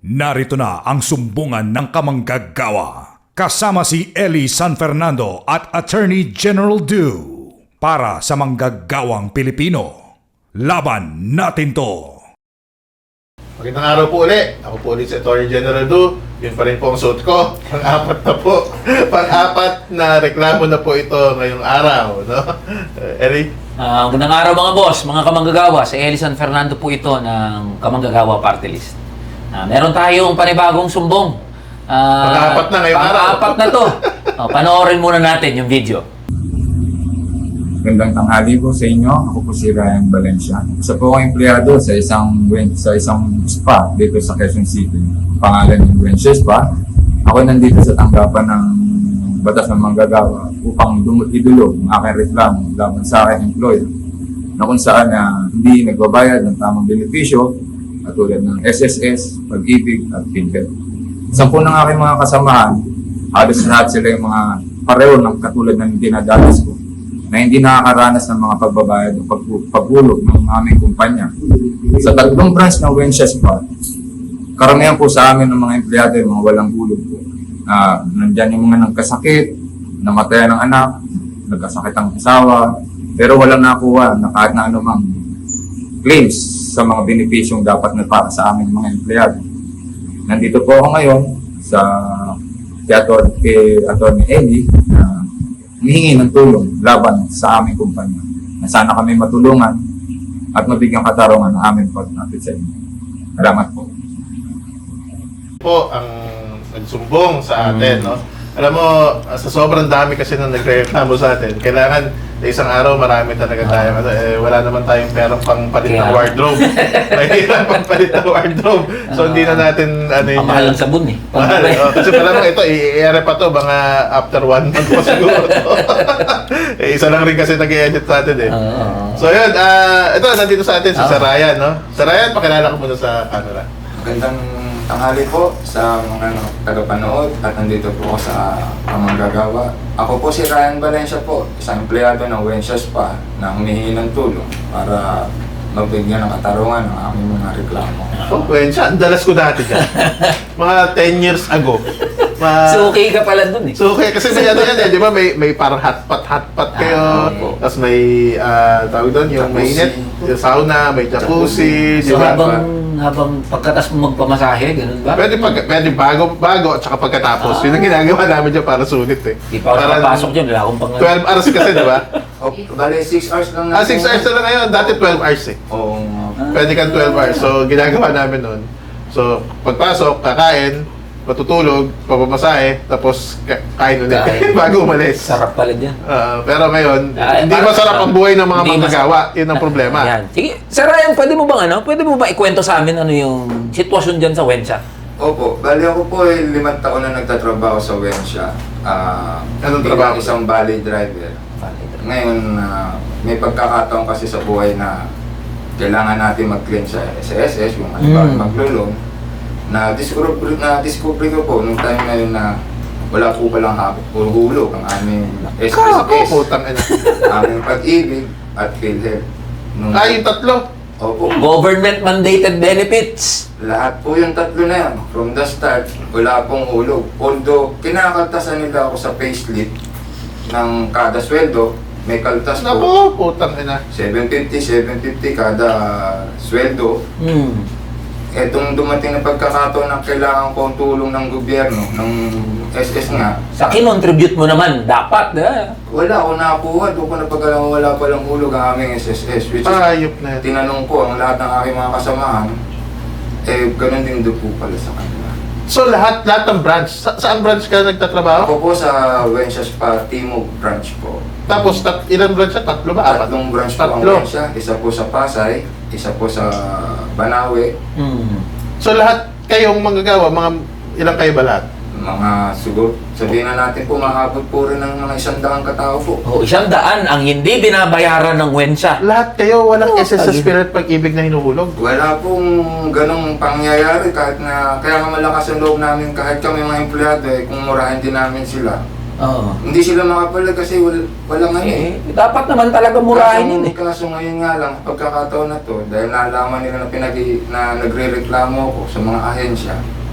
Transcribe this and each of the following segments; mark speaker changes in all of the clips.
Speaker 1: Narito na ang sumbungan ng kamanggagawa. Kasama si Eli San Fernando at Attorney General Du. Para sa manggagawang Pilipino. Laban natin to!
Speaker 2: Magandang araw po ulit. Ako po ulit si Attorney General Du. Yun pa rin po ang suot ko. Pang-apat na po. Pang-apat na reklamo na po ito ngayong araw. No? Eli?
Speaker 3: Magandang araw mga boss, mga kamanggagawa. Si Eli San Fernando po ito ng Kamanggagawa Party List. Meron tayong panibagong sumbong.
Speaker 2: Pang-apat na ngayong araw.
Speaker 3: Pang-apat na to. Panoorin muna natin yung video.
Speaker 4: Magandang tanghali po sa inyo. Ako po si Ryan Valencia. Isa po akong empleyado sa isang spa dito sa Quezon City. Pangalan ng Valencia Spa. Ako nandito sa tanggapan ng batas ng manggagawa upang idulog ang aking reklamo laban sa aking employer na kung saan hindi nagbabayad ng tamang benepisyo katulad ng SSS, Pag-ibig at PhilHealth. Isa po ng aking mga kasamahan, halos lahat sila yung mga pareho ng katulad ng dinadalas ko na hindi nakakaranas ng mga pagbabayad o paghulog ng aming kumpanya. Sa tatlong branch ng Valencia Spa, karamihan po sa amin ng mga empleyado yung mga walang hulog po. Nandyan yung mga nagkasakit, namatayan ng anak, nagkasakit ang asawa, pero walang nakuha na kahit na anumang claims sa mga benepisyong dapat na para sa aming mga empleyado. Nandito po ako ngayon sa kay Atty. Eli na humihingi ng tulong laban sa aming kumpanya na sana kami matulungan at mabigyan katarungan ng aming pagkakit sa inyo. Salamat po.
Speaker 2: Po ang nagsumbong sa atin, no? Alam mo, sa sobrang dami kasi nang nagreklamo sa atin, kailangan sa isang araw marami talaga tayo. Wala naman tayong perang pangpalit ng wardrobe. Mahirap pangpalit ng wardrobe. So hindi na natin
Speaker 3: Mahal ng sabon eh.
Speaker 2: Mahal. Kasi pala nung ito, i-air pa to, mga after 1 month po siguro. Isa lang rin kasi nag-i-edit sa atin eh. So yun, ito nandito sa atin si Sir Ryan, no? Sir Ryan, pakilala ko muna sa camera.
Speaker 4: Magandang tanghali po sa mga tagapanood at nandito po ako sa Kamanggagawa. Ako po si Ryan Valencia po, isang empleyado ng Valencia Spa na humihingi ng tulong para mabigyan ng katarungan ng aming mga reklamo.
Speaker 2: Oh, Wensya, ang dalas ko dati dyan. Mga 10 years ago.
Speaker 3: So okay ka pala dun eh.
Speaker 2: So okay, kasi may ano yan eh, di ba? May parang hotpot kayo. Tapos may, tawag doon, yung mainit, yung sauna, may jacuzzi, di
Speaker 3: So
Speaker 2: ba?
Speaker 3: habang pagkatas mo magpamasahe, ganun ba?
Speaker 2: Pwede bago at saka pagkatapos. Yun ang ginagawa namin dyan para sulit eh.
Speaker 3: Di pa ako nakapasok dyan, wala akong pang...
Speaker 2: 12 hours kasi, di ba?
Speaker 4: Bale, 6 hours lang
Speaker 2: 6 hours na lang ngayon. Dati 12 hours eh.
Speaker 4: Oo.
Speaker 2: Pwede kang 12 hours. So, ginagawa namin nun. So, pagpasok, kakain, matutulog, papamasahe, tapos kain ulit bago umalis.
Speaker 3: Sarap pala dyan.
Speaker 2: Pero ngayon, hindi masarap ang buhay ng mga manggagawa. Yun ang problema.
Speaker 3: Yan. Sige, Sir Ryan, pwede mo ba ikwento sa amin ano yung sitwasyon dyan sa Wensya?
Speaker 4: Opo, bali ako po ay 5 taon na nagtatrabaho sa Valencia.
Speaker 2: Anong
Speaker 4: bilang
Speaker 2: trabaho?
Speaker 4: isang valley driver. Ngayon, may pagkakataon kasi sa buhay na kailangan natin mag-claim sa SSS, yung maglulong. Na-discover ko po nung time na yun na wala po palang hulog ang aming SSS, aming Pag-ibig at PhilHealth.
Speaker 2: Yung tatlo?
Speaker 4: Opo.
Speaker 3: Government mandated benefits.
Speaker 4: Lahat po yung tatlo na yan. From the start, wala pong hulog. Although, kinakaltasan nila ako sa payslip ng kada sweldo, may kaltas po.
Speaker 2: Naku, putang ina.
Speaker 4: 750 kada sweldo. Etong dumating na pagkakataon na kailangan ko ang tulong ng gobyerno, ng SS nga.
Speaker 3: Sa kinontribute mo naman, dapat.
Speaker 4: Wala ako nakakuha. Doon ko napag-alam wala palang hulog ang aming SSS. Which is,
Speaker 2: Ayop na yun.
Speaker 4: tinanong ko ang lahat ng aking mga kasamahan, ganun din doon po pala sa kanila.
Speaker 2: So, lahat ng branch. Saan branch ka nagtatrabaho?
Speaker 4: Ako po sa Valencia Spa, Timog branch po.
Speaker 2: Tapos, ilang branch siya? Tatlo ba? Apat?
Speaker 4: Tatlong branch po ang Valencia. Isa po sa Pasay, isa po sa Banawe.
Speaker 2: So, lahat kayong manggagawa, mga ilang kayo ba lahat?
Speaker 4: Mga siguro, sabihin na natin po, mahabot po rin ng mga 100 katao po.
Speaker 3: 100 ang hindi binabayaran ng Wensya.
Speaker 2: Lahat kayo walang SSS Spirit Pag-ibig na hinuhulog?
Speaker 4: Wala pong ganong pangyayari kahit na, kaya nga malakas ang loob namin kahit kami mga empleyado kung murahin din namin sila.
Speaker 3: Oo.
Speaker 4: Hindi sila makapalag kasi walang ano eh.
Speaker 3: Dapat naman talaga murahin yun eh.
Speaker 4: Kaso ngayon nga lang, pagkakataon na to, dahil nalaman nila na nagre-reklamo ako sa mga ahensya,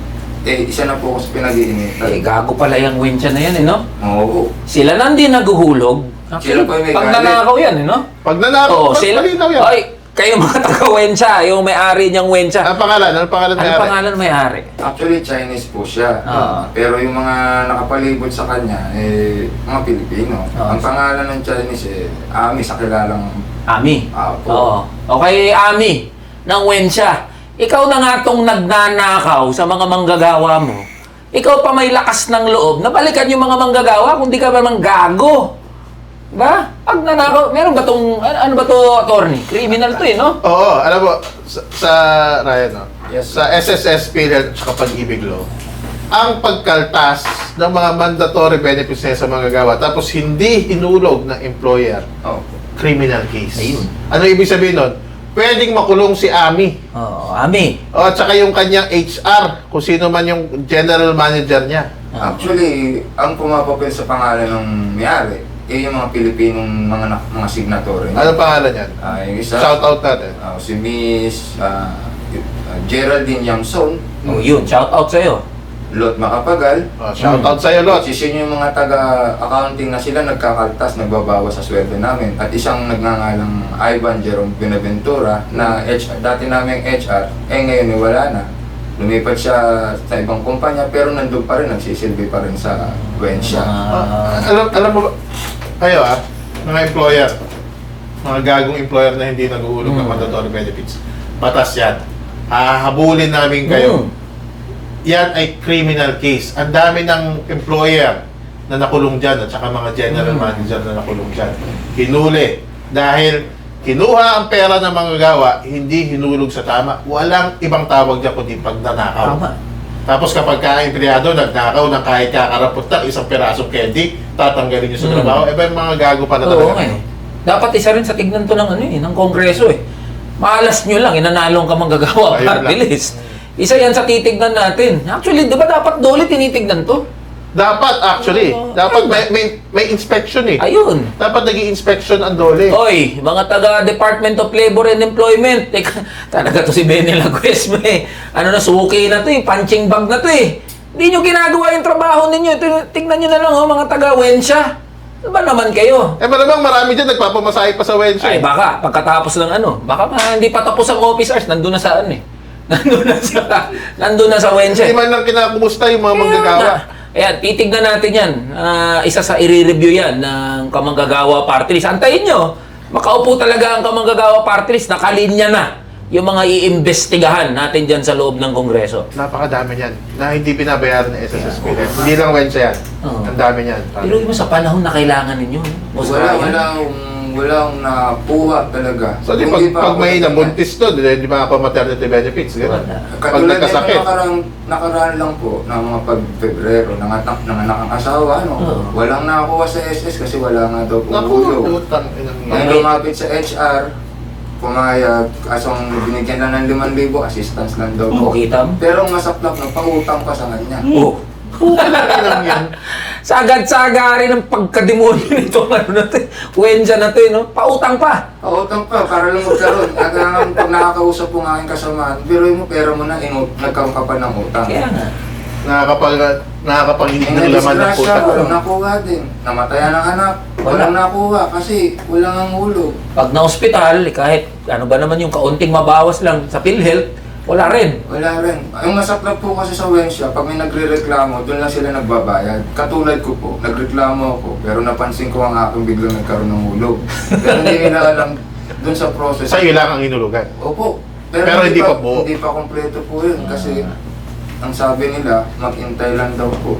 Speaker 4: isa na po ako sa pinag-iinitan.
Speaker 3: Gago pala yung wincha na yan eh, no?
Speaker 4: Oo.
Speaker 3: Sila nang di naguhulog.
Speaker 4: Sila pa yung may
Speaker 3: Pag
Speaker 4: galit.
Speaker 3: nanakaw yan eh, no?
Speaker 2: Pag nanakaw,
Speaker 3: Oo, sila.
Speaker 2: malinaw yan.
Speaker 3: Ay, kayo mga taga-wensya, yung may-ari niyang wensya.
Speaker 2: Ang pangalan? Anong pangalan
Speaker 3: Ano
Speaker 2: may-ari?
Speaker 3: pangalan may-ari?
Speaker 4: Actually, Chinese po siya.
Speaker 3: Ah.
Speaker 4: Pero yung mga nakapalibot sa kanya, mga Pilipino.
Speaker 3: Ah.
Speaker 4: Ang pangalan ng Chinese, Ami, sa kilalang
Speaker 3: Ami.
Speaker 4: Apo.
Speaker 3: Oo. Okay, Ami, ng wensya. Ikaw na nga tong nagnanakaw sa mga manggagawa mo. Ikaw pa may lakas ng loob na balikan yung mga manggagawa kung di ka ba mang gago. Ba? Pag nanakaw, meron ba tong, ano ba to, attorney? Criminal to eh, no?
Speaker 2: Oo, alam mo, sa Ryan, no?
Speaker 4: Yes.
Speaker 2: Sa SSS PhilHealth at Pag-ibig Law, ang pagkaltas ng mga mandatory benefits niya sa mga gagawa tapos hindi hinulog ng employer,
Speaker 4: Oh.
Speaker 2: criminal case.
Speaker 3: Ayun.
Speaker 2: Ano ibig sabihin nun? Pwedeng makulong si Ami.
Speaker 3: Oo, Ami.
Speaker 2: O, at saka yung kanyang HR, kung sino man yung general manager niya.
Speaker 4: Actually, ang pumapapil sa pangalan ng may-ari, yung mga Pilipinong mga signatory.
Speaker 2: Ano pangalan yan?
Speaker 4: Yung isa,
Speaker 2: Shout out natin.
Speaker 4: si Miss Geraldine Yamson,
Speaker 3: Oh, yun, shout out sa'yo.
Speaker 4: Lot Macapagal,
Speaker 2: Shout out sa'yo, Lot.
Speaker 4: which is yun yung mga taga-accounting na sila nagkakaltas, nagbabawas sa sweldo namin. At isang nagngangalang Ivan Jerome Benaventura na dati naming HR, ngayon wala na. Lumipat siya sa ibang kumpanya pero nandun pa rin, nagsisilbi pa rin sa Wensya.
Speaker 2: Alam mo ba, kayo mga employer, mga gagong employer na hindi nag-uulog ng mandatory benefits, batas yan. Hahabulin namin kayo. Yan ay criminal case. Ang dami ng employer na nakulong dyan at saka mga general manager na nakulong dyan. Hinuli. Dahil kinuha ang pera ng mga gawa, hindi hinulog sa tama. Walang ibang tawag dyan kundi pagnanakaw.
Speaker 3: Tama.
Speaker 2: Tapos kapag ka-empleyado, nagnakaw ng kahit kakarapot na isang pirasong candy, tatanggalin nyo sa trabaho, yung mga gago pa na
Speaker 3: Oo
Speaker 2: talaga.
Speaker 3: nga eh. Dapat isa rin sa tignan to ng ng Kongreso eh. Malas nyo lang, inanalong ka manggagawa,
Speaker 2: Ayun
Speaker 3: party
Speaker 2: lang.
Speaker 3: list. Isa yan sa titignan natin. Actually, di ba dapat dole tinitignan to?
Speaker 2: Dapat actually,
Speaker 3: Oo.
Speaker 2: dapat may inspection eh.
Speaker 3: Ayun.
Speaker 2: Dapat nag-i-inspection ang dole.
Speaker 3: Oy, mga taga Department of Labor and Employment. Teka, talaga to si Benny Lagues, may ano na, suki na to eh, punching bag na to eh. Hindi nyo ginagawa yung trabaho ninyo. Tingnan nyo na lang mga taga Wensya. Ano ba naman kayo?
Speaker 2: Malamang marami dyan nagpapamasahe pa sa Wednesday.
Speaker 3: Ay, baka, pagkatapos ng baka hindi pa tapos ang office hours, nandun na sa nandun na sa Wensya.
Speaker 2: Hindi man lang kinakumusta yung mga manggagawa.
Speaker 3: Ayan, titignan natin yan. Isa sa i-review yan ng Kamanggagawa Party List. Antayin nyo, makaupo talaga ang Kamanggagawa Party List, nakalinya na yung mga iimbestigahan natin dyan sa loob ng Kongreso.
Speaker 2: Napakadami niyan na hindi binabayaran ng SSS PhilHealth. Hindi lang Wednesday yan.
Speaker 3: Oo.
Speaker 2: Ang dami niyan.
Speaker 3: Pero mo sa panahon na kailangan ninyo. Boss Ryan.
Speaker 4: Walang nakuha talaga.
Speaker 2: So, di
Speaker 4: Hindi pa
Speaker 2: pag
Speaker 4: ako
Speaker 2: may
Speaker 4: nagkakasakit.
Speaker 2: nabuntis to, di ba ako maternity benefits? Ganun.
Speaker 3: Wala.
Speaker 2: Pag
Speaker 4: Katulad nito
Speaker 2: nagkasakit.
Speaker 4: nakaraan lang po ng mga pag-Febrero, nanganak ang asawa,
Speaker 3: Oo.
Speaker 4: walang nakakuha sa SS kasi wala nga daw
Speaker 2: Naku,
Speaker 4: pumulog.
Speaker 2: utang. inang
Speaker 4: Nang
Speaker 2: yan.
Speaker 4: lumapit sa HR, pumayag, asong binigyan na ng 5,000, assistance lang daw po.
Speaker 3: Kita mo?
Speaker 4: Pero ang masaklap na, pautang pa sa kanya.
Speaker 3: Oh.
Speaker 2: Inang yan.
Speaker 3: Sagad-sagari ng pagkademonyo nito. Ano na to? Wensya na to, no? Pautang pa.
Speaker 4: Pautang pa, para lang magkaroon. At pag nakakausap po ng aking kasamaan, biruin mo pera mo na, nagkaroon ka pa ng utang.
Speaker 3: Kaya nga.
Speaker 2: Nakakapag-hindi ng laman ng puta.
Speaker 4: Walang nakuha din. Namatayan ng anak. Walang nakuha kasi walang ang hulog.
Speaker 3: Pag na-hospital, kahit ano ba naman yung kaunting mabawas lang sa PhilHealth, wala rin.
Speaker 4: Wala rin. Yung masaklap po kasi sa Wensya, pag may nagre-reklamo, doon lang sila nagbabayad. Katulad ko po, nagreklamo ako, pero napansin ko ang aking biglang nagkaroon ng hulog. Pero hindi nila alam doon sa process.
Speaker 2: Sa'yo lang ang inulugan.
Speaker 4: Opo.
Speaker 2: Pero hindi pa buo.
Speaker 4: Hindi pa kompleto po yun kasi ang sabi nila, mag-intay lang daw po.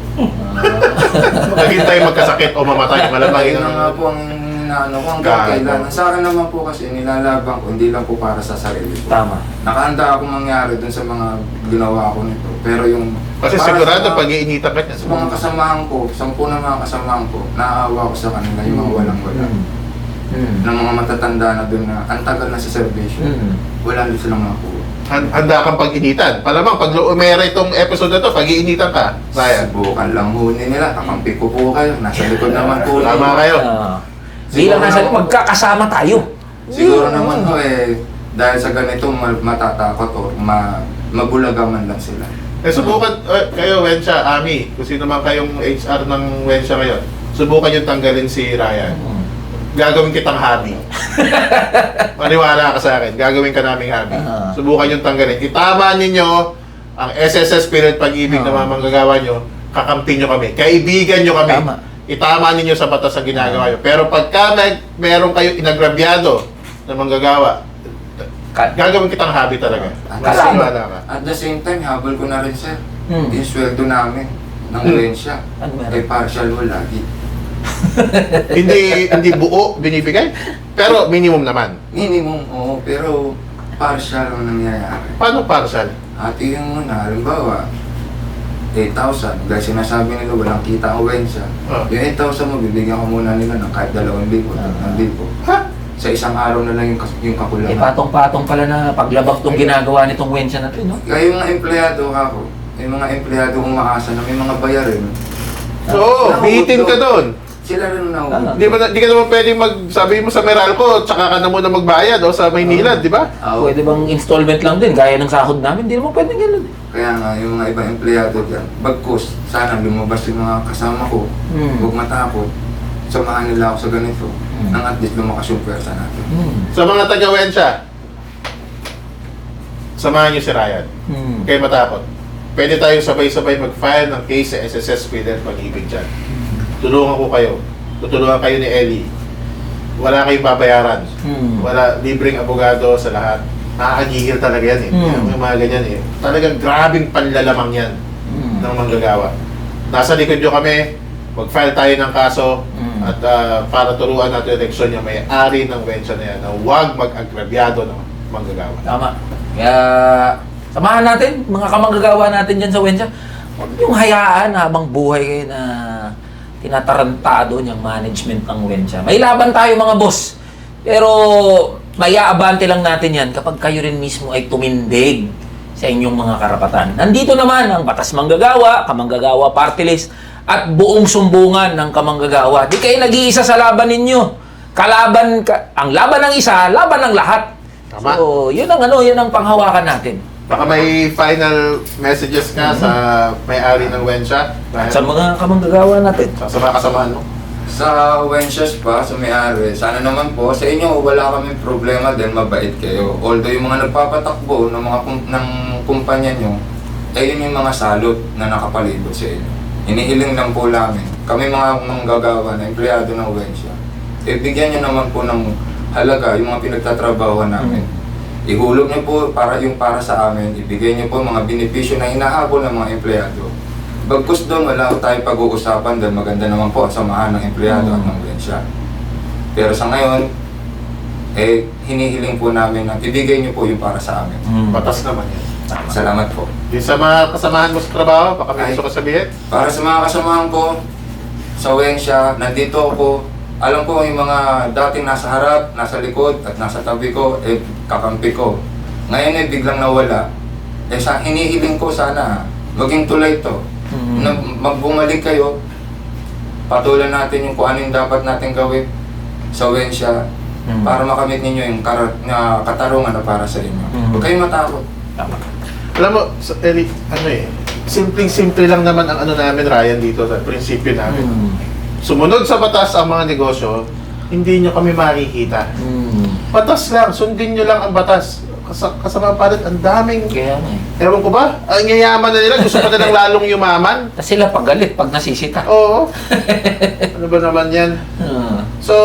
Speaker 2: Naghintay magkasakit o mamatay. Malamang
Speaker 4: Ayun na nga po ang inaano ko, hanggang
Speaker 2: Gago.
Speaker 4: kailan. Sa akin naman po kasi, nilalaban ko, hindi lang po para sa sarili ko.
Speaker 3: Tama.
Speaker 4: Nakahanda akong mangyari dun sa mga ginawa ko nito. Pero yung...
Speaker 2: Kasi
Speaker 4: para
Speaker 2: sigurado
Speaker 4: sa mga-
Speaker 2: pag iinitan ka niya.
Speaker 4: Sa mga kasamahan ko, 10 na mga kasamahan ko, naaawa ko sa kanila, yung mga walang-wala.
Speaker 3: Mm.
Speaker 4: Ng mga matatanda na dun na, ang tagal na sa servisyo.
Speaker 3: Mm.
Speaker 4: Wala din silang makuha.
Speaker 2: handa kang pag-initan. Palamang, pag umere itong episode na to, pag-iinitan ka, Ryan.
Speaker 4: Subukan lang huni nila. Kakampi ko po kayo. Nasa likod naman po.
Speaker 2: Tama kayo.
Speaker 3: Bilang nasa magkakasama tayo.
Speaker 4: Siguro naman po dahil sa ganito matatakot o mabulagaman lang sila.
Speaker 2: Subukan, kayo, Wensha, Ami, kung sino man kayong HR ng Wensha ngayon, subukan yung tanggalin si Ryan. Gagawin kitang hobby. Maniwala ka sa akin, gagawin ka naming hobby. Subukan yung tanggalin. Itama ninyo ang SSS Spirit Pag-ibig na mga manggagawa nyo, kakampi nyo kami, kaibigan nyo kami.
Speaker 3: Tama.
Speaker 2: Itama ninyo sa batas ang ginagawa nyo. Pero pagka meron kayo inagrabyado na manggagawa, gagawin kitang hobby talaga. Maniwala ka.
Speaker 4: At the same time, habol ko na rin, sir.
Speaker 3: Hmm.
Speaker 4: Yung sweldo namin ng rensya.
Speaker 3: Ano meron?
Speaker 4: Ay partial wala.
Speaker 2: hindi buo binibigay, pero minimum naman.
Speaker 4: Minimum, oo. Pero partial ang nangyayari.
Speaker 2: Paano partial?
Speaker 4: At yung muna, halimbawa, 8,000. Dahil sinasabi nila walang kita ang wensya. Yung 8,000 mo, bibigyan ko muna nila ng kahit 2,000, 3,000.
Speaker 2: Ha?
Speaker 4: Sa isang araw na lang yung kakulangan.
Speaker 3: Patong-patong pala na paglabag tong ginagawa nitong wensya na to, no?
Speaker 4: Kaya yung mga empleyado ako, yung mga empleyado umaasa na may mga bayarin.
Speaker 2: Oo, bihitin ka doon.
Speaker 4: Sila rin na
Speaker 2: Di ka naman pwedeng sabi mo sa Meralco, tsaka ka na muna magbayad o sa Maynila, di ba?
Speaker 3: Pwede bang installment lang din, gaya ng sahod namin? Hindi naman pwedeng gano'n.
Speaker 4: Kaya nga, yung mga ibang empleyado dyan, bagkus, sana lumabas yung mga kasama ko, huwag matakot, samahan nila ako sa ganito, nang at least lumakas yung pwersa natin.
Speaker 2: Sa mga taga-Wensha, samahan niyo si Ryan. Kayo matakot. Pwede tayo sabay-sabay mag-file ng case sa SSS Spirit Pag-ibig dyan. Tulungan ko kayo. Tutulungan kayo ni Ellie. Wala kayong babayaran. Wala libreng abogado sa lahat. Nakakagigil talaga yan eh. Yung mga ganyan eh. Talagang grabing panlalamang yan ng manggagawa. Nasa likod nyo kami, mag-file tayo ng kaso at para turuan natin yung eleksyon yung may-ari ng wensya na yan na huwag mag-agrabyado ng manggagawa.
Speaker 3: Tama. Kaya, samahan natin, mga kamanggagawa natin dyan sa wensya. Huwag yung hayaan habang buhay kayo na tinatarantado niyang management ng wensya. May laban tayo mga boss. Pero may aabante lang natin yan kapag kayo rin mismo ay tumindig sa inyong mga karapatan. Nandito naman ang Batas Manggagawa, Kamanggagawa Party List, at buong sumbungan ng kamanggagawa. Di kayo nag-iisa sa laban ninyo. Ang laban ng isa, laban ng lahat.
Speaker 2: Tama.
Speaker 3: So, yun ang panghawakan natin.
Speaker 2: Baka may final messages ka sa may-ari ng wensya?
Speaker 3: Sa mga kamanggagawa natin.
Speaker 2: Sa mga kasamahan mo?
Speaker 4: Sa wensyas pa, sa may-ari, sana naman po, sa inyo wala kaming problema din, mabait kayo. Although yung mga nagpapatakbo ng mga ng kumpanya nyo, yun yung mga salot na nakapalibot sa inyo. Inihiling lang po namin, kami mga manggagawa na empleyado ng wensya, bigyan nyo naman po ng halaga yung mga pinagtatrabaho namin. Ihulog niyo po para sa amin, ibigay niyo po mga benepisyo na hinahabol ng mga empleyado. Bagkus doon, wala ko tayong pag-uusapan dahil maganda naman po ang samahan ng empleyado at ng wensya. Pero sa ngayon, hinihiling po namin na ibigay niyo po yung para sa amin.
Speaker 2: Batas naman yan.
Speaker 4: Salamat po.
Speaker 2: Yung sa mga kasamahan mo sa trabaho, baka may gusto ka sabihin?
Speaker 4: Para sa mga kasamahan ko sa wensya, nandito ako. Alam ko yung mga dating nasa harap, nasa likod, at nasa tabi ko, kakampi ko. Ngayon biglang nawala. Hinihiling ko sana, maging tulay to. Na magbumalik kayo, patulan natin yung kung ano yung dapat natin gawin sa wensya para makamit ninyo yung katarungan na para sa inyo. Huwag kayong matakot.
Speaker 3: Tama.
Speaker 2: Alam mo, Eric, simpleng-simple lang naman ang namin, Ryan, dito sa prinsipyo namin. Sumunod sa batas ang mga negosyo, hindi nyo kami makikita. Batas lang, sundin nyo lang ang batas. Kasama pa rin, ang daming...
Speaker 3: Kaya nga eh.
Speaker 2: Ewan ko ba? Ang yayaman na nila, gusto pa nilang lalong yumaman.
Speaker 3: Tapos sila pagalit pag nasisita.
Speaker 2: Oo. Ano ba naman yan? So,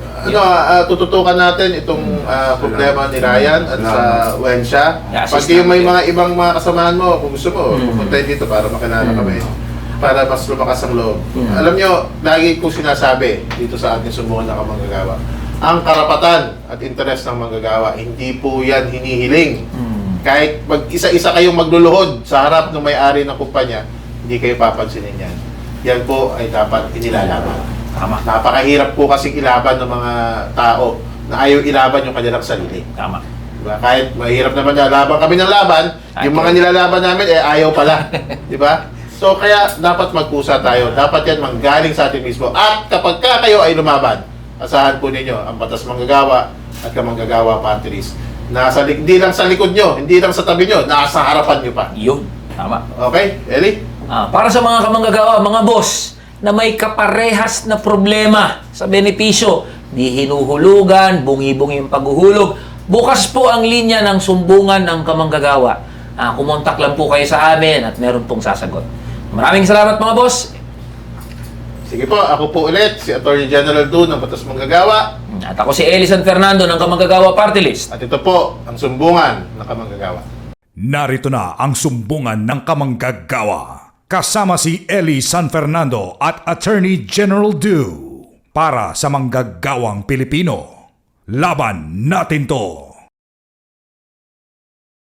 Speaker 2: tututukan natin itong problema ni Ryan at sa wensya. Pag yung may mga ibang mga kasamahan mo, kung gusto mo, pupunta dito para makilala kami. Para mas lumakas ang loob. Alam nyo, lagi kong sinasabi dito sa ating sumbungan na kamanggagawa, ang karapatan at interes ng manggagawa, hindi po yan hinihiling. Kahit mag-isa-isa kayong magluluhod sa harap ng may-ari ng kumpanya, hindi kayo papansinin yan. Yan po ay dapat inilalaban.
Speaker 3: Tama.
Speaker 2: Napakahirap po kasing ilaban ng mga tao na ayaw ilaban yung kanilang sarili.
Speaker 3: Tama.
Speaker 2: Diba? Kahit mahirap naman na laban kami ng laban, yung mga nilalaban namin, ayaw pala. Diba? So, kaya dapat magkusa tayo. Dapat yan manggaling sa atin mismo. At kapag kayo ay lumaban, asahan po ninyo ang Batas Manggagawa at Kamanggagawa Party List. Hindi lang sa likod nyo, hindi lang sa tabi nyo, nasa harapan nyo pa.
Speaker 3: Yun. Tama.
Speaker 2: Okay? Eli?
Speaker 3: Para sa mga kamanggagawa, mga boss, na may kaparehas na problema sa benepisyo, di hinuhulugan, bungi-bungi yung paghuhulog, bukas po ang linya ng sumbungan ng kamanggagawa. Kumontak lang po kayo sa amin at meron pong sasagot. Maraming salamat mga boss.
Speaker 2: Sige po, ako po ulit, si Attorney General Du ng Batas Manggagawa.
Speaker 3: At ako si Eli San Fernando ng Kamanggagawa Party List.
Speaker 2: At ito po ang sumbungan ng Kamanggagawa.
Speaker 1: Narito na ang sumbungan ng kamanggagawa. Kasama si Eli San Fernando at Attorney General Du. Para sa manggagawang Pilipino. Laban natin to!